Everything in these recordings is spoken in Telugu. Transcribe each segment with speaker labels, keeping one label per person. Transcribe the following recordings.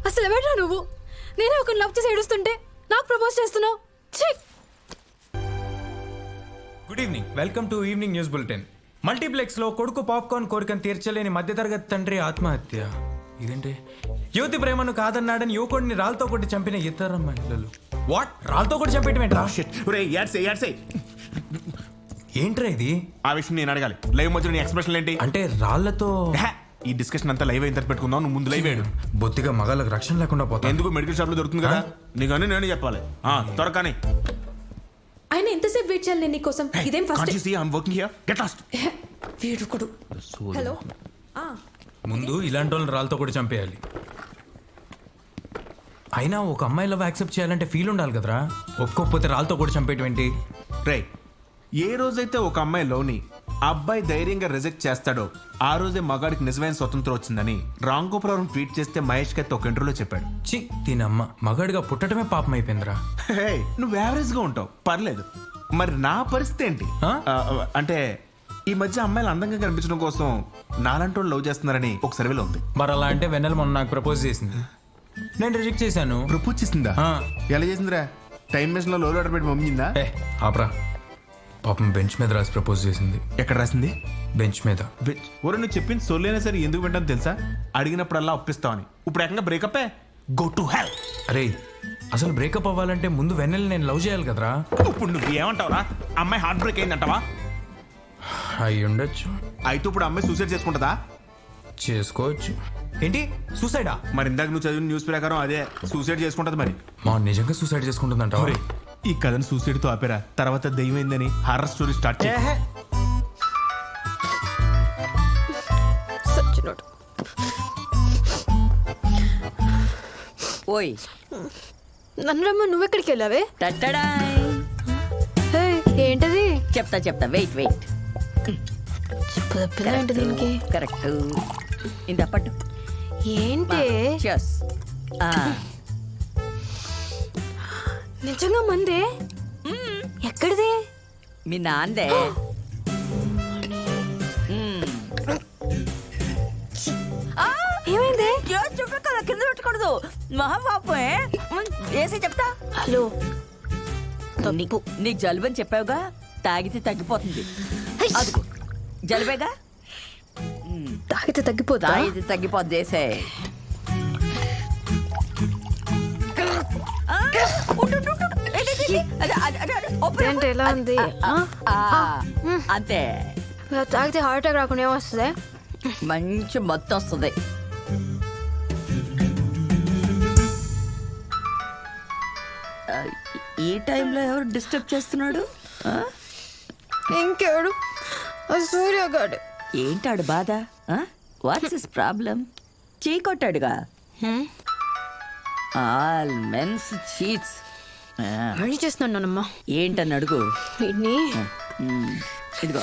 Speaker 1: అసలు ఎవడ్రా నువ్వు? నేనే ఒక లవ్ చేసి ఏడుస్తుంటే నాకు ప్రపోజ్ చేస్తున్నావు.
Speaker 2: Good evening, welcome to evening news bulletin. Multiplex లో కొడుకు పాప్కార్న్ కోరికను తీర్చలేని మధ్యతరగతి తండ్రి ఆత్మహత్య. ఇదేంటి? యువతి ప్రేమను కాదన్నాడని యువకుడిని రాళ్ళతో కొట్టి చంపిన ఇతర మహిళలు. వాట్? రాళ్ళతో కొట్టి చంపేయటం ఏంట్రా ఇది?
Speaker 3: ఆ విషయం నేను అడగాలి. లైవ్ మధ్య నీ ఎక్స్ప్రెషన్ ఏంటి?
Speaker 2: అంటే రాళ్లతో
Speaker 3: ఈ డిస్కషన్ అంతా లైవ్ అయిన పెట్టుకుందాం. నువ్వు ముందు లైవ్ వేయడు.
Speaker 2: బొత్తిగా మగాళ్ళకి రక్షణ లేకుండా పోతా.
Speaker 3: ఎందుకు మెడికల్ షాప్ లో దొరుకుతుంది కదా, నీకని నేను చెప్పాలి. త్వరగానే
Speaker 1: ఆయన ఎంతసేపు వెయిట్ చేయాలి నేను నీకోసం? ఇదేం ఫస్ట్ వీడుకుడు. హలో,
Speaker 2: ముందు ఇలాంటి వాళ్ళని రాళ్ళతో కూడా చంపేయాలి. అయినా ఒక అమ్మాయి లవ్ యాక్సెప్ట్ చేయాలంటే ఫీల్ ఉండాలి కదరా. ఒప్పుకోకపోతే రాళ్ళతో కూడా చంపేయటం ఏంటి?
Speaker 3: రే, ఏ రోజైతే ఒక అమ్మాయి లోని అబ్బాయి ధైర్యంగా రిజెక్ట్ చేస్తాడో ఆ రోజే మగాడికి నిజమైన స్వతంత్రం వచ్చిందని రామ్ గోపురం ట్వీట్ చేస్తే మహేష్ కత్తి ఒక ఇంటర్వ్యూలో చెప్పాడు.
Speaker 2: చి దీనమ్మ, మగాడిగా పుట్టడమే పాపం అయిపోయిందిరా.
Speaker 3: హే, నువ్వు యావరేజ్ గా ఉంటావు, పర్లేదు. మరి నా పరిస్థితి ఏంటి? అంటే ఈ మధ్య అమ్మాయిలు అందంగా కనిపించడం కోసం నాలంటి వాళ్ళు లవ్ చేస్తున్నారని ఒక సర్వేలో ఉంది.
Speaker 2: మరి అలా అంటే వెన్నెల మొన్న నాకు ప్రపోజ్ చేసింది, నేను రిజెక్ట్ చేశాను.
Speaker 3: ప్రపోజ్ చేసిందా? ఎలా చేసిందిరా? టైం మెషిన్ లో లోడ్ ఆర్డర్ పెట్టి పంపించిందా?
Speaker 2: ఆపరా, పాపం బెంచ్ మీద రాసి ప్రపోజ్ చేసింది.
Speaker 3: ఎక్కడ రాసింది?
Speaker 2: బెంచ్ మీద.
Speaker 3: ఒరే, నువ్వు చెప్పింది సొల్లైనా సరే ఎందుకు వింటాను తెలుసా? అడిగినప్పుడల్లా ఒప్పిస్తావని. ఇప్పుడు ఏకంగా బ్రేకప్. Go to hell.
Speaker 2: అరే, అసలు బ్రేకప్ అవ్వాలంటే ముందు వెన్నెల నేను లవ్ చేయాలి కదరా.
Speaker 3: ఇప్పుడు నువ్వు ఏమంటావురా? అమ్మాయి హార్ట్ బ్రేక్ అయిందంటావా?
Speaker 2: అయి ఉండొచ్చు.
Speaker 3: అయితే ఇప్పుడు అమ్మాయి సూసైడ్ చేసుకుంటుందా?
Speaker 2: చేసుకోవచ్చు. ఏంటి, సూసైడా?
Speaker 3: మరి ఇందాక నువ్వు చదివిన న్యూస్ ప్రకారం అదే సూసైడ్ చేసుకుంటది. మరి
Speaker 2: మా నిజంగా సూసైడ్ చేసుకుంటుందంట.
Speaker 3: ఈ కథను సూసైడ్ తో ఆపేరా, తర్వాత దయ్యమైందని హారర్ స్టోరీ స్టార్ట్ చేయ.
Speaker 4: ఓయ్
Speaker 1: నన్ను రమ్మ, నువ్వెక్కడికి వెళ్ళావే?
Speaker 4: హే,
Speaker 1: ఏంటది?
Speaker 4: చెప్తా వెయిట్
Speaker 1: ఏంటి దీనికి?
Speaker 4: కరెక్ట్. ఇంత పట్టు.
Speaker 1: ఏంటి?
Speaker 4: చెస్.
Speaker 1: నిజంగా మందే? ఎక్కడిది?
Speaker 4: మీ నాందే.
Speaker 1: ఏమైంది?
Speaker 4: చుట్టూ కదా, కింద పెట్టకూడదు. మహాపాపే. వేసి చెప్తా.
Speaker 1: హలో,
Speaker 4: నీకు జలుబు అని చెప్పావుగా, తాగితే తగ్గిపోతుంది. అదిగో జలుబేగా,
Speaker 1: తాగితే తగ్గిపోతా?
Speaker 4: తాగితే తగ్గిపోద్ది. వేసే.
Speaker 1: ఏంటి ఎలా ఉంది?
Speaker 4: అంతే.
Speaker 1: తాగితే హార్ట్ అటాక్ రాకుండా ఏమొస్తుంది?
Speaker 4: మంచి మొత్తం వస్తుంది. ఈ టైంలో ఎవరు డిస్టర్బ్ చేస్తున్నాడు?
Speaker 1: ఇంకెవడు? సూర్యగాడు.
Speaker 4: ఏంటాడు బాధ? What's his problem? చీ కొట్టాడుగా. All men's cheats.
Speaker 1: మళ్ళీ చేస్తున్నానమ్మా.
Speaker 4: ఏంటని అడుగు. ఇదిగో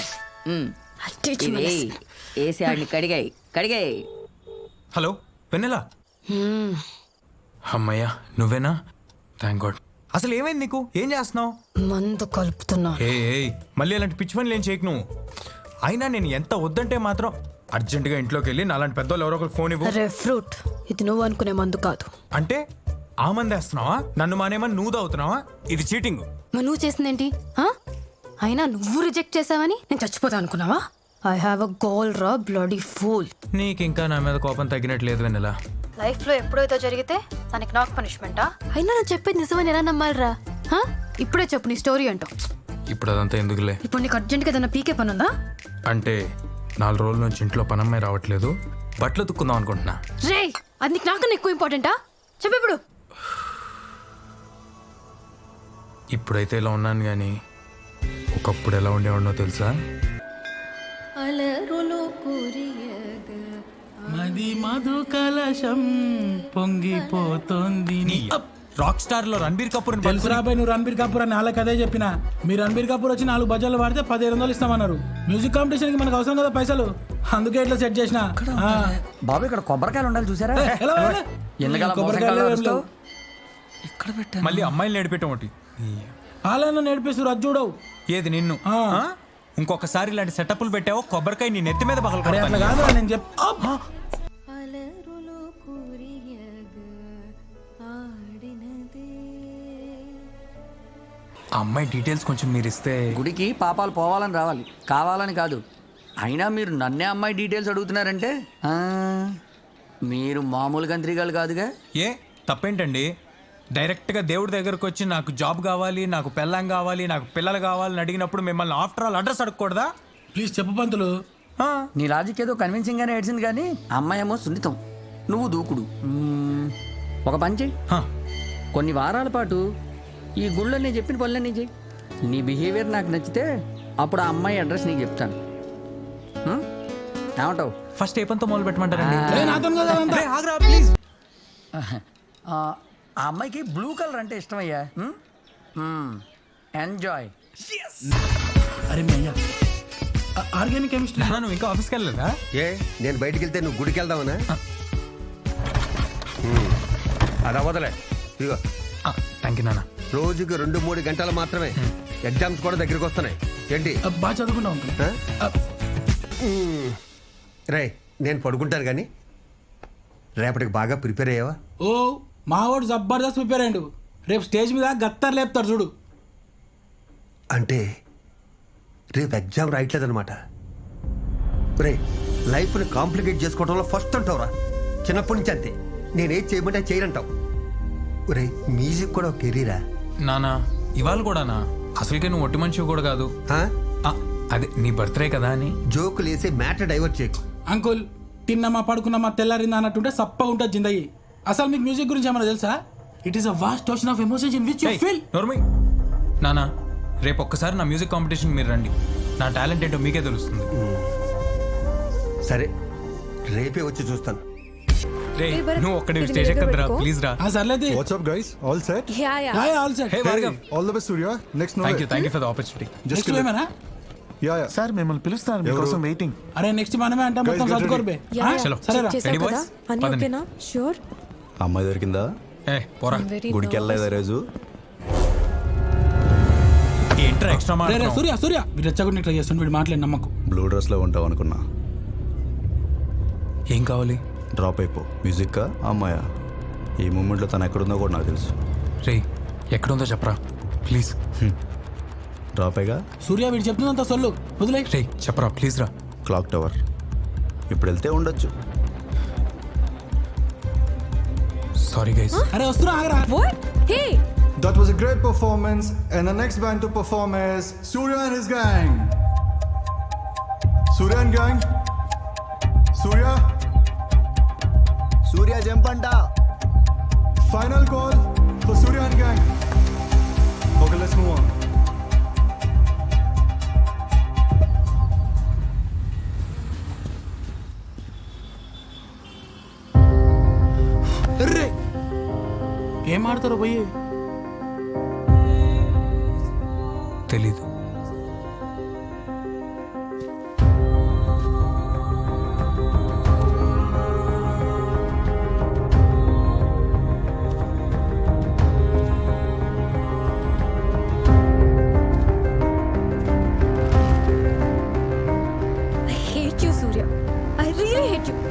Speaker 4: వేసి ఆడిని కడిగాయి.
Speaker 2: హలో వెన్నెల. అమ్మయ్యా, నువ్వేనా? Thank God. అసలు ఏమైంది నీకు? ఏం చేస్తున్నావు?
Speaker 1: మందు కలుపుతున్నా.
Speaker 2: మళ్ళీ అలాంటి పిచ్చి పనులు ఏం చేయకు నువ్వు. అయినా నేను ఎంత వద్దంటే మాత్రం అర్జెంటుగా ఇంట్లోకి వెళ్ళి నాలాంటి పెద్దోళ్ళు ఎవరో ఒకరు ఫోన్ ఇవ్వు.
Speaker 1: అరే ఫ్రూట్, ఇది నువ్వు అనుకునే మందు కాదు.
Speaker 2: అంటే ఆ మంది వేస్తున్నావా? నన్ను మానేమని నువ్వు తాగుతున్నావా? ఇది చీటింగ్.
Speaker 1: మరి నువ్వు చేసిందేంటి? అయినా నువ్వు రిజెక్ట్ చేసావని నేను చచ్చిపోతా అనుకున్నావా? ఐ హావ్ అ గోల్ రా బ్లడీ ఫూల్.
Speaker 2: నీకు ఇంకా నా మీద కోపం తగ్గినట్లేదు వెన్నెల.
Speaker 1: లైఫ్ లో ఎప్పుడైతే జరిగితే దానికి నాకు పనిష్మెంటా? అయినా నేను చెప్పేది నిజమని ఎలా నమ్మాలిరా? ఇప్పుడే చెప్పు నీ స్టోరీ అంటూ.
Speaker 2: ఇప్పుడు అదంతా ఎందుకులే.
Speaker 1: ఇప్పుడు నీకు అర్జెంట్గా ఏదైనా పీకే పని ఉందా?
Speaker 2: అంటే 4 రోజుల నుంచి ఇంట్లో పనమ్మాయి రావట్లేదు, బట్టలు తుక్కుందాం అనుకుంటున్నా.
Speaker 1: రే, అది నీకు నాకన్నా ఎక్కువ ఇంపార్టెంటా? చెప్పు ఇప్పుడు.
Speaker 2: ఇప్పుడైతే ఇలా ఉన్నాను కానీ ఒకప్పుడు ఎలా ఉండేవాడినో తెలుసా?
Speaker 5: మది మధు కలశం పొంగిపోతోంది.
Speaker 2: రాక్ స్టార్ లో రణబీర్ కపూర్
Speaker 5: తెలుసురాబాయ్, నువ్వు రణబీర్ కపూర్ అని వాళ్ళకి అదే చెప్పిన. మీరు రణబీర్ కపూర్ వచ్చి 4 బజార్లు వాడితే 1500 ఇస్తామన్నారు. మ్యూజిక్ కాంపిటీషన్ కి మనకు అవసరం కదా పైసలు, అందుకే ఇట్లా సెట్ చేసిన.
Speaker 6: బాబు ఇక్కడ కొబ్బరికాయలు ఉండాలి చూసారా?
Speaker 2: మళ్ళీ అమ్మాయిలు నడిపేయటం ఒకటి.
Speaker 5: వాళ్ళను నేర్పిస్తారు, అది చూడవు.
Speaker 2: ఏది నిన్ను? ఇంకొకసారి ఇలాంటి సెటప్లు పెట్టావో కొబ్బరికాయ నీ నెత్తి మీద
Speaker 5: అట్లా కాదు నేను
Speaker 2: ఆ అమ్మాయి డీటెయిల్స్ కొంచెం మీరు ఇస్తే.
Speaker 6: గుడికి పాపాలు పోవాలని రావాలి, కావాలని కాదు. అయినా మీరు నన్నే అమ్మాయి డీటెయిల్స్ అడుగుతున్నారంటే ఆ, మీరు మామూలు గంత్రిగాలు కాదుగా.
Speaker 2: ఏ తప్పేంటండి? డైరెక్ట్గా దేవుడి దగ్గరకు వచ్చి నాకు జాబ్ కావాలి, నాకు పెళ్ళాం కావాలి, నాకు పిల్లలు కావాలని అడిగినప్పుడు మిమ్మల్ని ఆఫ్టర్ ఆల్ అడ్రస్ అడగకూడదా?
Speaker 5: ప్లీజ్ చెప్పు పంతులు.
Speaker 2: ఆ,
Speaker 6: నీ లాజిక్ ఏదో కన్విన్సింగ్ గానే ఏడ్చింది కానీ అమ్మాయి ఏమో సున్నితం, నువ్వు దూకుడు. ఒక పని చెయ్యి,
Speaker 2: హా.
Speaker 6: కొన్ని వారాల పాటు ఈ గుళ్ళో నేను చెప్పిన పనులన్నీ చెయ్యి. నీ బిహేవియర్ నాకు నచ్చితే అప్పుడు ఆ అమ్మాయి అడ్రస్ నీకు చెప్తాను. ఏమంటావు?
Speaker 2: ఫస్ట్ ఏ పనితో మొదలు పెట్టమంటారండి?
Speaker 5: ఏ నాతో కదా అదంతా.
Speaker 2: రే, ఆగ్రా ప్లీజ్.
Speaker 6: ఆ అమ్మాయికి బ్లూ కలర్ అంటే ఇష్టమయ్యా. ఎంజాయ్.
Speaker 5: అరే మీ అయ్యా ఆర్గానిక్ కెమిస్ట్రీ.
Speaker 2: నాన్న, నువ్వు ఇంకా ఆఫీస్కి వెళ్ళలేదా?
Speaker 7: ఏ నేను బయటికి వెళ్తే నువ్వు గుడికి వెళ్దావనా? అది అవ్వదులే. ఇదిగో
Speaker 2: థ్యాంక్ యూ నాన్న.
Speaker 7: రోజుకి 2-3 గంటలు మాత్రమే. ఎగ్జామ్స్ కూడా దగ్గరికి వస్తున్నాయి. ఏంటి?
Speaker 5: బాగా చదువుకుంటా ఉంటుంది.
Speaker 7: రే నేను పడుకుంటాను కానీ రేపటికి బాగా ప్రిపేర్ అయ్యావా?
Speaker 5: ఓ మావాడు జబర్దస్త్ ప్రిపేర్ అయ్యండు. రేపు స్టేజ్ మీద గత్తర్ లేపుతాడు చూడు.
Speaker 7: అంటే రేపు ఎగ్జామ్ రాయట్లేదనమాట. రే లైఫ్ని కాంప్లికేట్ చేసుకోవడంలో ఫస్ట్ అంటావురా. చిన్నప్పటి నుంచి అంతే. నేనేం చేయమంటే చేయనంటావు. రే మ్యూజిక్ కూడా ఒక కెరీరా
Speaker 2: నాన్న, ఇవాళ కూడానా? అసలుకే నువ్వు ఒట్టి మనిషి కూడా కాదు.
Speaker 7: ఆ?
Speaker 2: అదే నీ బర్త్డే కదా అని.
Speaker 7: జోకులు వేసి మ్యాటర్ డైవర్ట్ చేయకు.
Speaker 5: అంకుల్ తిన్నమా పడుకున్నామా తెల్లారిందా అన్నట్టుంటే సప్పగా ఉంటుంది జిందగీ. అసలు మీకు మ్యూజిక్ గురించి ఏమైనా తెలుసా? It is a vast ocean of emotions in which you feel.
Speaker 2: నోర్మి నానా, రేపు ఒక్కసారి నా మ్యూజిక్ కాంపిటీషన్ మీరు రండి. నా టాలెంట్ ఏంటో మీకే తెలుస్తుంది.
Speaker 7: సరే రేపే వచ్చి చూస్తాను.
Speaker 2: రే, నువ్వు ఒక్కడే స్టేజ్ ఎక్కద్దురా ప్లీజ్ రా.
Speaker 5: సర్లేదు.
Speaker 8: What's up, guys? All set?
Speaker 5: All set.
Speaker 2: Hey Bhargav,
Speaker 8: All the best, Surya. Next
Speaker 2: thank you
Speaker 8: November.
Speaker 2: For the opportunity.
Speaker 8: Just
Speaker 5: next
Speaker 8: kill it.
Speaker 5: ఏమైనా?
Speaker 8: Yeah.
Speaker 9: సార్ మిమ్మల్ని పిలుస్తాను, మీకోసం వెయిటింగ్.
Speaker 5: అరే నెక్స్ట్ మనమే అంటే మొత్తం
Speaker 8: get
Speaker 5: చదువుకోరు బే.
Speaker 2: చలో.
Speaker 5: సరేరా.
Speaker 2: Ready boys? పదండి.
Speaker 10: షూర్.
Speaker 9: అమ్మాయి దొరికిందా?
Speaker 2: ఏ పోరా.
Speaker 9: గుడికి వెళ్ళలేదా రోజు?
Speaker 2: ఏంట్రా ఎక్స్ట్రా
Speaker 5: రే, రే,
Speaker 2: మాట్లాడుతున్నావు?
Speaker 5: సూర్య సూర్య మీరు రెచ్చగొట్టి ట్రై చేస్తుండే వీడు మాట్లాడి నమ్మకు.
Speaker 9: బ్లూ డ్రెస్ లో ఉంటావు అనుకున్నా.
Speaker 2: ఏం కావాలి?
Speaker 9: డ్రాప్ అయిపో. మ్యూజిక్ అమ్మాయా? ఈ మూమెంట్లో తను ఎక్కడుందో కూడా నాకు తెలుసు.
Speaker 2: రే, ఎక్కడుందో చెప్పరా ప్లీజ్.
Speaker 9: డ్రాప్ అయ్యగా
Speaker 5: సూర్య వీడు చెప్తుందంత సొల్లు వదిలే.
Speaker 2: రే చెప్పరా ప్లీజ్ రా.
Speaker 9: Clock tower. ఇప్పుడు వెళ్తే ఉండొచ్చు.
Speaker 2: Sorry guys.
Speaker 5: అరే వస్తున్నా ఆగరా.
Speaker 10: What? Hey!
Speaker 8: That was a great performance, and the next band to perform is Surya and his gang. Surya and gang. Surya.
Speaker 9: Surya జంపంట.
Speaker 8: Final call for Surya and gang. Okay, let's move on.
Speaker 5: రే ఏం ఆడతారో పోయి.
Speaker 2: తెలీదు.
Speaker 10: I hate you, Surya. I really hate you.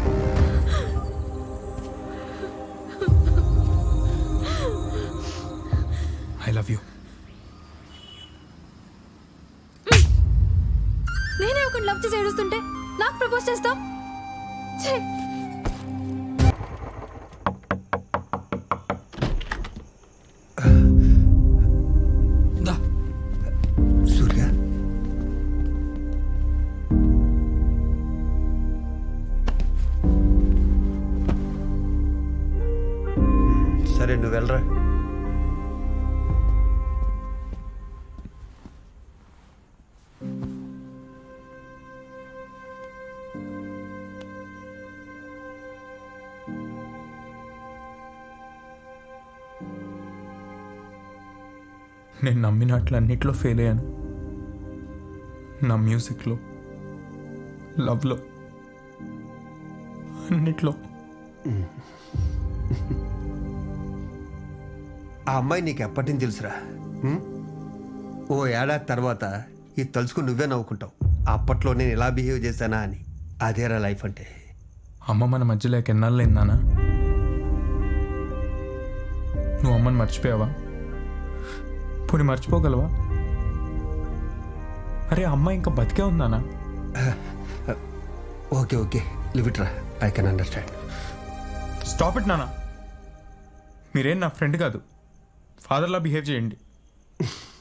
Speaker 2: I love you.
Speaker 10: నేనే ఒక లవ్ చేసి ఏడుస్తుంటే నాకు ప్రపోజ్ చేస్తాం. ఛే!
Speaker 5: దా.
Speaker 7: సూర్య సరే నువ్వు వెళ్ళరా.
Speaker 2: నేను నమ్మినట్లు అన్నిట్లో ఫెయిల్ అయ్యాను. నా మ్యూజిక్లో, లవ్లో, అన్నిట్లో.
Speaker 7: ఆ అమ్మాయి నీకు ఎప్పటి నుంచి తెలుసురా? ఓ ఏడాది తర్వాత ఇది తలుచుకుని నువ్వే నవ్వుకుంటావు. అప్పట్లో నేను ఎలా బిహేవ్ చేశానా అని. అదేరా లైఫ్ అంటే.
Speaker 2: అమ్మ మన మధ్యలో ఎన్నాళ్ళైందానా? నువ్వు అమ్మని మర్చిపోయావా? పోనీ మర్చిపోగలవా? అరే అమ్మ ఇంకా బతికే ఉందానా?
Speaker 7: ఓకే ఓకే లివ్ ఇట్ రా, I can understand.
Speaker 2: Stop it నాన్న. మీరేం నా ఫ్రెండ్ కాదు, ఫాదర్లా బిహేవ్ చేయండి.